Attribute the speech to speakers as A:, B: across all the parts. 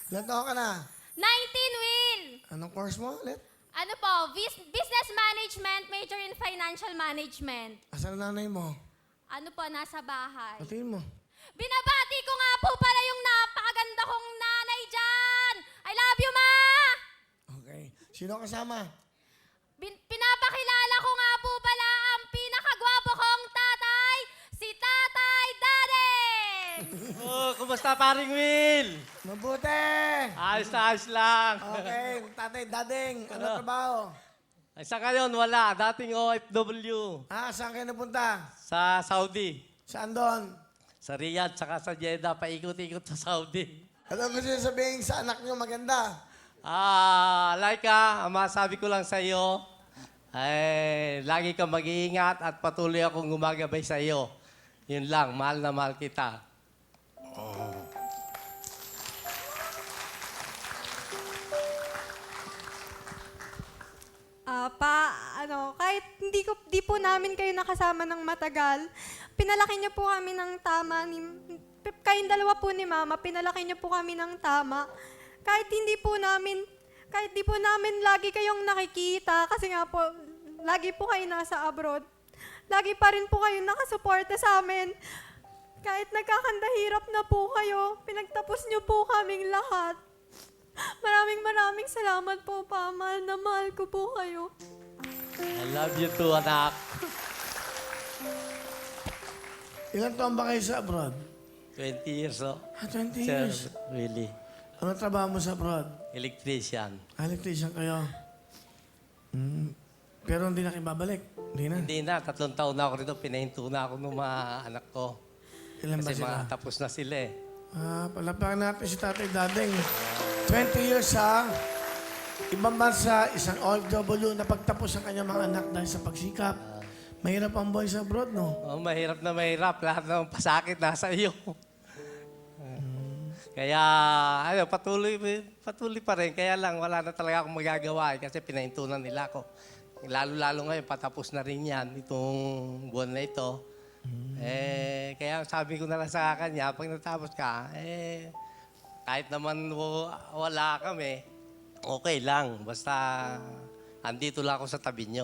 A: Ilan taon ka na?
B: 19, Will!
A: Anong course mo ulit?
B: Ano po? Business Management, major in Financial Management.
A: Asan ang nanay mo?
B: Ano po, nasa bahay.
A: Patingin mo.
B: Binabati ko nga po pala yung napakaganda kong nanay dyan! I love you, Ma!
A: Okay. Sino kasama?
B: Pinapakilala ko nga po pala ang pinakagwapo kong tatay, si Tatay Dadeng!
C: Oh, kumusta paring Will?
A: Mabuti!
C: Ayos na ayos lang.
A: Okay, tatay Dadeng. Ano trabaho?
C: Ay, sa ngayon, wala. Dating OFW.
A: Saan kayo napunta?
C: Sa Saudi.
A: Saan doon?
C: Sa Riyadh, saka sa Jeddah. Paikot-ikot sa Saudi.
A: Ano gusto niyo sabihin sa anak niyo maganda?
C: Laika, ang masabi ko lang sa iyo, ay, lagi kang mag-iingat at patuloy akong gumagabay sa iyo. Yun lang, mahal na mahal kita.
D: Kahit di po namin kayo nakasama ng matagal, pinalaki niyo po kami ng tama. Kayong dalawa po ni Mama, pinalaki niyo po kami ng tama. Kahit di po namin lagi kayong nakikita, kasi nga po, lagi po kayo nasa abroad. Lagi pa rin po kayo nakasuporta sa amin. Kahit nagkakandahirap na po kayo, pinagtapos niyo po kaming lahat. Maraming salamat po, Pa. Mahal na mahal ko po kayo.
C: I love you too, anak.
A: Ilan taon ba kayo sa abroad?
C: 20 years, oh.
A: 20
C: Sir
A: years.
C: Willie.
A: Ano trabaho mo sa abroad?
C: Electrician.
A: Electrician kayo. Pero hindi na kayo babalik. Hindi na.
C: Hindi na, 3 taon na ako rito. Pinahinto na ako ng mga anak ko.
A: Ilan ba
C: Kasi
A: sila?
C: tapos na sila eh.
A: Palapakan natin si Tatay Dadeng. 20 years sa ibang bansa, isang OFW na pagtapos ang kanyang mga anak dahil sa pagsikap. Mahirap ang buhay sa abroad, no?
C: Oh, mahirap na mahirap. Lahat ng pasakit nasa iyo. Kaya, patuloy pa rin. Kaya lang, wala na talaga akong magagawa kasi pinahintunan nila ako. Lalo-lalo ngayon, patapos na rin yan, itong buwan na ito. Kaya sabi ko na lang sa kanya, pag natapos ka, kahit naman wala kami, okay lang. Basta, andito lang ako sa tabi nyo.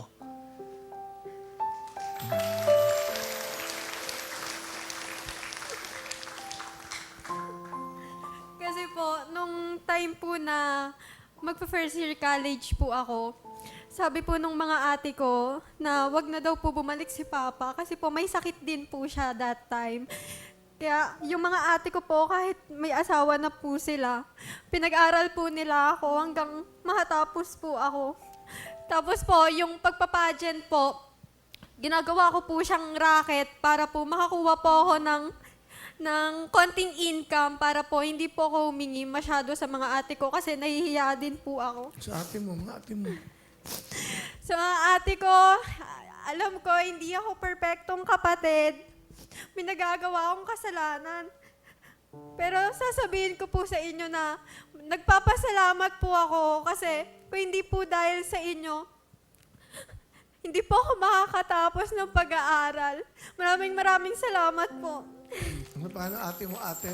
D: Kasi po, nung time po na magpa-first year college po ako, sabi po nung mga ate ko na wag na daw po bumalik si Papa kasi po may sakit din po siya that time. Kaya yung mga ate ko po, kahit may asawa na po sila, pinag-aral po nila ako hanggang makatapos po ako. Tapos po, yung pagpapageant po, ginagawa ko po siyang racket para po makakuha po ako ng konting income para po hindi po ako humingi masyado sa mga ate ko kasi nahihiya din po ako.
A: Sa ate mo, mga ate mo.
D: Sa mga ate ko, alam ko hindi ako perpektong kapatid. May nagagawa akong kasalanan. Pero sasabihin ko po sa inyo na nagpapasalamat po ako kasi kung hindi po dahil sa inyo, hindi po ako makakatapos ng pag-aaral. Maraming salamat po.
A: Ano paano ate mo, ate?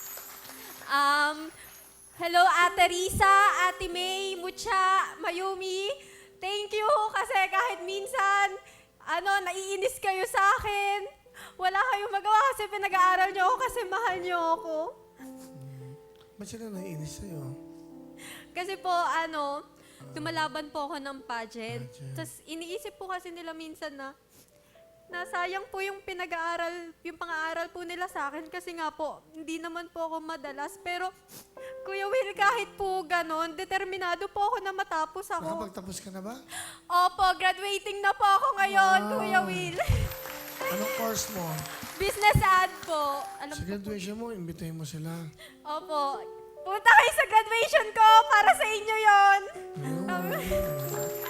D: Hello, Ate Risa, Ate May, Mucha, Mayumi. Thank you kasi kahit minsan, naiinis kayo sa akin. Wala kayong magawa kasi pinag-aaral niyo ako kasi mahal niyo ako.
A: Ba't sila naiinis sa'yo?
D: Kasi po, lumalaban po ako ng pageant. Tapos iniisip po kasi nila minsan na sayang po yung pinag-aaral, yung pang-aaral po nila sa akin kasi nga po, hindi naman po ako madalas. Pero, Kuya Will, kahit po ganon, determinado po ako na matapos ako.
A: Nakapagtapos ka na ba?
D: Opo, graduating na po ako ngayon, Kuya Will.
A: Anong course mo?
D: Business ad po.
A: Sa graduation mo, imbitahin mo sila.
D: Opo. Punta kayo sa graduation ko para sa inyo yon.
A: Ayun.